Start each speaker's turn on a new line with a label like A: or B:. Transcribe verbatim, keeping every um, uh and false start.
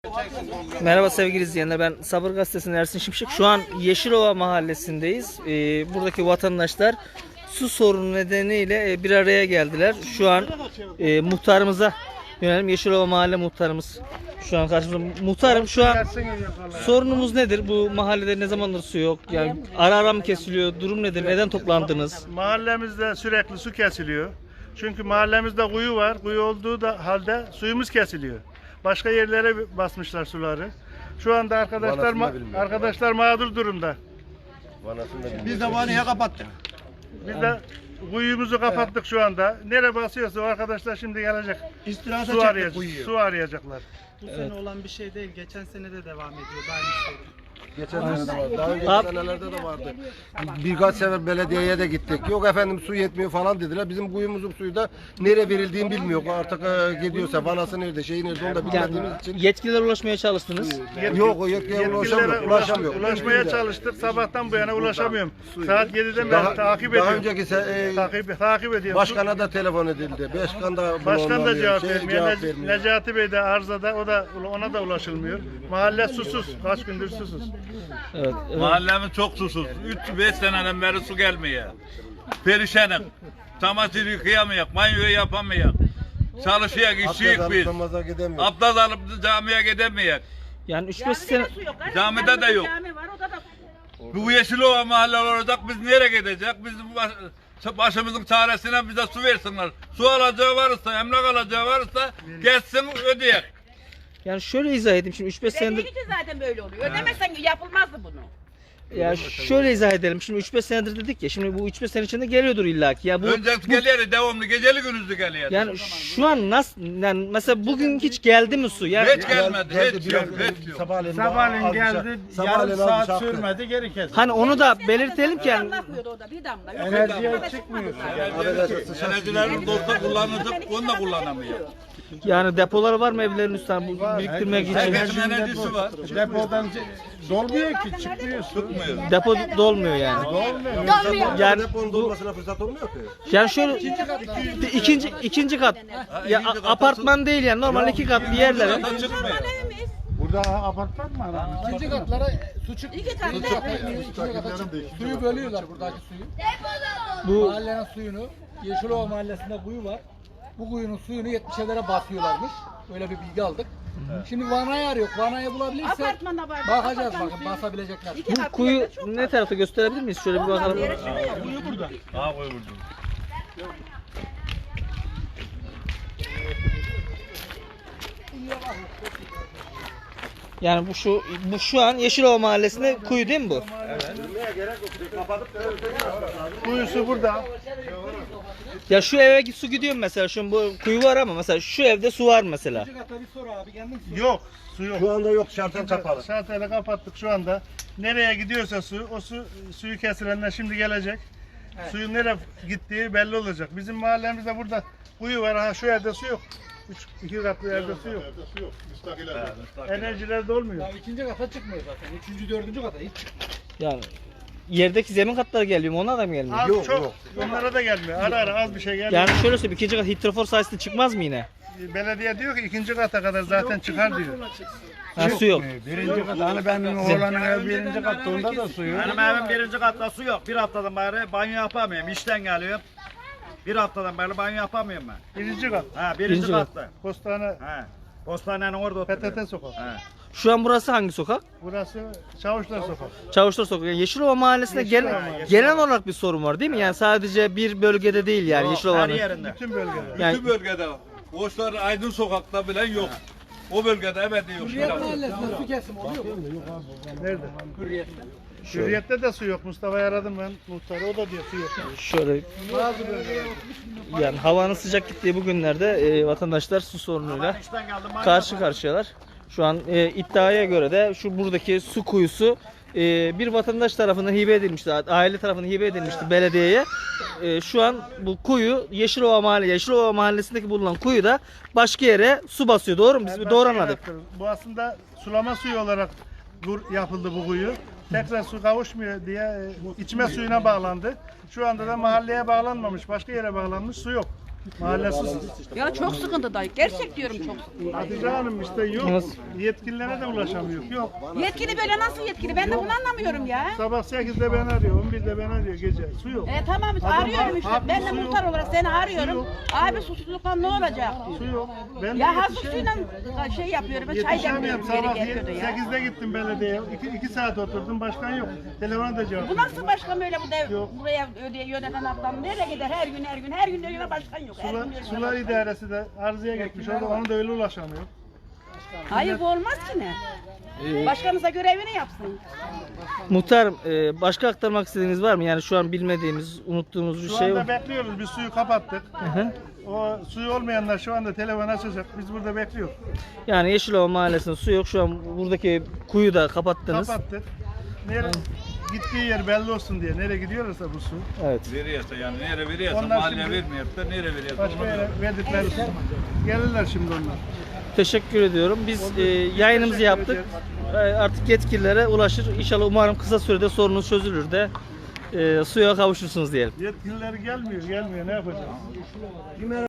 A: Merhaba sevgili izleyenler, ben Sabır Gazetesi'nin Ersin Şimşek. Şu an Yeşilova mahallesindeyiz. Ee, buradaki vatandaşlar su sorunu nedeniyle e, bir araya geldiler. Şu an e, muhtarımıza yönelim. Yeşilova mahalle muhtarımız şu an karşımızda. Muhtarım, şu an sorunumuz nedir? Bu mahallede ne zamandır su yok? Yani ara ara mı kesiliyor? Durum nedir? Neden toplandınız?
B: Mahallemizde sürekli su kesiliyor. Çünkü mahallemizde kuyu var. Kuyu olduğu da halde suyumuz kesiliyor. Başka yerlere basmışlar suları. Şu anda arkadaşlar ma arkadaşlar mağdur durumda.
C: Biz de vanayı kapattık.
B: Biz de kuyumuzu kapattık şu anda. Nereye basıyorsa o arkadaşlar şimdi gelecek.
C: İstirahata
B: Su,
C: çektik
B: arayacak,
C: kuyuyu.
B: su arayacaklar.
D: Bu sene olan bir şey değil. Geçen sene de devam ediyor. Aynı şey.
C: Geçen sene de vardı. Daha önceki
A: Abi-
C: senelerde de vardı. Birkaç sefer belediyeye de gittik. Yok efendim su yetmiyor falan dediler. Bizim kuyumuzun suyu da nereye verildiğini bilmiyor. Artık e, gidiyorsa vanası nerede, şeyi nerede onu da bilmediğimiz için.
A: Yetkililere ulaşmaya çalıştınız.
C: Yok o yetkiye ulaşamıyor.
B: Yetkililere
C: Ulaşamıyor.
B: ulaşmaya çalıştık. Sabahtan bu yana ulaşamıyorum. Saat yediden
C: Daha,
B: beri takip
C: daha
B: ediyorum.
C: önceki se- e,
B: Takip, takip ediyorum.
C: başkana da telefon edildi. Başkan da bunu
B: Başkan da
C: anlamıyor,
B: cevap
C: şey
B: vermiyor.
C: cevap
B: Nec-
C: vermiyor.
B: Necati Bey de arzada, o da ona da ulaşılmıyor. Mahalle susuz. Kaç gündür susuz.
A: Evet, evet.
E: Mahallemiz çok susuz. üç beş seneden beri su gelmiyor. Perişanım. Çamaşır yıkayamayak, banyo yapamayak. Çalışayak, işçiyik
C: Abdest
E: biz.
C: alıp namaza gidemiyor.
E: Abdest alıp da camiye gidemeyek.
A: Yani üç beş sene
E: Camide de yok.
F: Cami var, o da da
E: Bu Yeşilova mahalle olacak, biz nereye gidecek? Biz baş, başımızın çaresine bize su versinler. Su alacağı varsa, emlak alacağı varsa geçsin ödeyek.
A: yani şöyle izah edeyim, şimdi üç beş senedir
F: Belli ki zaten böyle oluyor. Ödemezsen yapılmazdı bunu.
A: ya şöyle izah edelim. Şimdi üç beş senedir dedik ya. Şimdi bu üç beş sene içinde geliyordur illaki. Ya bu,
E: Önce
A: bu
E: geliyor, devamlı geceli gündüzlü geliyor.
A: yani şu an nasıl, yani mesela bugün hiç geldi mi su? Yani
E: Hiç gelmedi,
C: Geldi,
E: hiç
C: bir
E: yok,
C: an-
E: hiç yok.
C: Sabahleyin,
D: Sabahleyin
C: az bir şey-
D: geldi.
C: sabahleyin
D: Yarım
C: az bir
D: saat
C: şey yaptı.
D: sürmedi. Geri kesti.
A: hani onu da
F: Bir
A: belirtelim ki yani
F: damla akıyordu o da, bir damla. Yok,
D: Enerjiye
F: bir damla
D: çıkmıyor.
F: çıkmadı zaten.
E: Enerjilerimiz olsa kullanacak, onu da kullanamıyor.
A: yani depolar var mı evlerin üstüne bu biriktirmek için?
E: Herkesin enerjisi var.
D: Depodan ce- dolmuyor ki, çıkmıyor su.
E: Tutmuyor.
A: Depo dolmuyor yani.
F: Dolmuyor.
A: Yani
C: Deponun dolmasına fırsat olmuyor ki.
A: Yani şöyle ikinci ikinci kat ya a- apartman değil yani normal iki katlı yerlere.
E: Zaten çıkmıyor.
F: Evimiz.
D: Burada apartman mı aramızda?
G: İkinci katlara su çık.
F: İki katlı.
G: İkinci kata çık. Suyu bölüyorlar buradaki suyu.
A: Bu
G: Mahallenin suyunu, Yeşilova mahallesinde kuyu var. Bu kuyunun suyunu yetmişlere basıyorlarmış. Öyle bir bilgi aldık. Şimdi vanayı arıyor. Vanayı bulabilirsek
F: Apartmanda var.
G: bakacağız
F: Apartman
G: bakın
F: suyu.
G: basabilecekler.
F: İki
A: bu
F: katlı
A: kuyu
F: yerde çok
A: ne
F: var.
A: tarafta gösterebilir miyiz? Şöyle bir
F: Ondan
A: bakalım.
F: beri şuraya.
E: Ha koy vurdum.
A: Yani bu şu bu şu an Yeşilova mahallesinde kuyu değil mi bu?
B: Kuyusu burada.
A: Ya şu eve su gidiyor mu mesela? Şu bu kuyu var ama mesela şu evde su var mesela.
G: İkinci kata bir sor abi kendin sor.
B: Yok. Su yok.
C: Şu anda yok, şartel kapalı.
B: Şarteli kapattık şu anda. Nereye gidiyorsa su, o su suyu kesilenler şimdi gelecek. Suyun nereye gittiği belli olacak. Bizim mahallemizde burada kuyu var. Ha şu evde su yok. Üç, iki katlı evde su yok. Enerjiler de olmuyor.
G: Ya ikinci kata çıkmıyor zaten. Üçüncü, dördüncü kata hiç çıkmıyor.
A: Yani yerdeki zemin katları geliyor mu? Ona da mı gelmiyor?
B: Az
C: Yok,
B: çok.
C: yok.
B: Onlara da gelmiyor. Ara ara az bir şey geliyor.
A: Yani şöyle söyleyeyim, ikinci kat hidrofor sayesinde çıkmaz mı yine?
B: Belediye diyor ki ikinci kata kadar zaten çıkar diyor.
A: Ha, su yok.
D: Birinci kat. Hani benim oğlanın ev birinci katta, onda da su yok.
H: Benim evim birinci katta su yok. Bir haftadan beri banyo yapamıyorum. İşten geliyorum. Bir haftadan beri banyo yapamıyorum ben.
B: Birinci kat.
H: Ha birinci,
A: Birinci kat.
H: katta.
B: Postane
H: Ha. Postanenin orada
B: P
H: oturuyorum.
B: T T sokak.
H: Ha.
A: Şu an burası hangi sokak?
B: Burası Çavuşlar sokak.
A: Çavuşlar Sokak. Yani Yeşilova Mahallesi'nde genel, genel olarak bir sorun var değil mi? Yani sadece bir bölgede değil yani
H: Her
A: Yeşilova'nın.
H: yerinde.
B: Bütün bölgede.
A: Yani
E: Bütün bölgede var. Boşlar Aydın sokakta bile yok. O bölgede ebedi yok.
G: Hürriyet mahallesinde su kesim oluyor mu?
B: Nerede?
G: Hürriyet.
B: Hürriyet'te de su yok. Mustafa'yı aradım ben muhtarı. O da diyor su yok.
A: şöyle yani havanın sıcak gittiği bu günlerde e, vatandaşlar su sorunuyla
H: İşten geldim banyo
A: karşı karşıyalar. Şu an e, iddiaya göre de şu buradaki su kuyusu e, bir vatandaş tarafından hibe edilmişti, aile tarafından hibe edilmişti belediyeye. E, şu an bu kuyu Yeşilova Mahalle, Yeşilova Mahallesi'ndeki bulunan kuyu da başka yere su basıyor. Doğru mu? Biz
B: Ben
A: doğru
B: şey
A: anladık.
B: yaptım. Bu aslında sulama suyu olarak gur- yapıldı bu kuyu. Tekrar su kavuşmuyor diye e, içme suyuna bağlandı. Şu anda da mahalleye bağlanmamış, başka yere bağlanmış su yok. Mahalle susuz.
F: Ya çok sıkıntıdayız. Gerçek diyorum çok sıkıntıdayız.
B: Hatice Hanım işte yok.
A: Nasıl?
B: Yetkililere de ulaşamıyor. Yok.
F: Yetkili böyle nasıl yetkili? Ben de bunu anlamıyorum ya.
B: Sabah sekizde ben arıyor, on birde ben arıyor gece. Su yok.
F: E tamam
B: Adam
F: arıyorum işte.
B: haklı,
F: Ben de
B: su yok.
F: muhtar olarak seni
B: Su
F: arıyorum.
B: yok.
F: Abi susuzluktan ne olacak?
B: Su yok. Ben de
F: Ya hazır
B: yetişemiyorum.
F: suyla şey yapıyorum. Çay
B: Yetişemiyorum.
F: demliyorum
B: Sabah
F: yeri getiriyor ya.
B: sekizde gittim belediyeye. İki, iki saat oturdum, başkan yok. Telefona da cevap
F: Bu nasıl başkan böyle bu dev,
B: Yok.
F: buraya ödeye yöneten adam nereye gider her gün her gün her gün öyle başkan yok. Her
B: Sular,
F: gün öyle
B: sular
F: başkan.
B: idaresi de arızaya gitmiş. Orada ona da öyle ulaşamıyor.
F: Hayır bu olmaz ki ne?
B: Ee,
F: Başkanımıza görevini yapsın.
A: Muhtarım e, başka aktarmak istediğiniz var mı? Yani şu an bilmediğimiz, unuttuğumuz bir
B: Şu
A: şey
B: anda
A: var.
B: bekliyoruz. Biz suyu kapattık.
A: Hı.
B: O suyu olmayanlar şu anda telefon açacak. Biz burada bekliyoruz.
A: Yani Yeşilova Mahallesi'nin su yok. Şu an buradaki kuyu da kapattınız.
B: Kapattık. Nereye gittiği yer belli olsun diye. Nereye gidiyorsa bu su.
A: Evet.
E: Veriyorsa yani nere veriyorsa
B: Onlar
E: mahalle
B: şimdi-
E: vermiyorsa nere veriyorsa
B: Başka
E: onu
B: yere
E: veriyor.
B: verdikleri su. Gelirler şimdi onlar.
A: Teşekkür ediyorum. Biz e, yayınımızı
B: teşekkür
A: yaptık. E, artık yetkililere ulaşır. İnşallah umarım kısa sürede sorunuz çözülür de e, suya kavuşursunuz diyelim.
B: Yetkililer gelmiyor, gelmiyor. Ne yapacağız?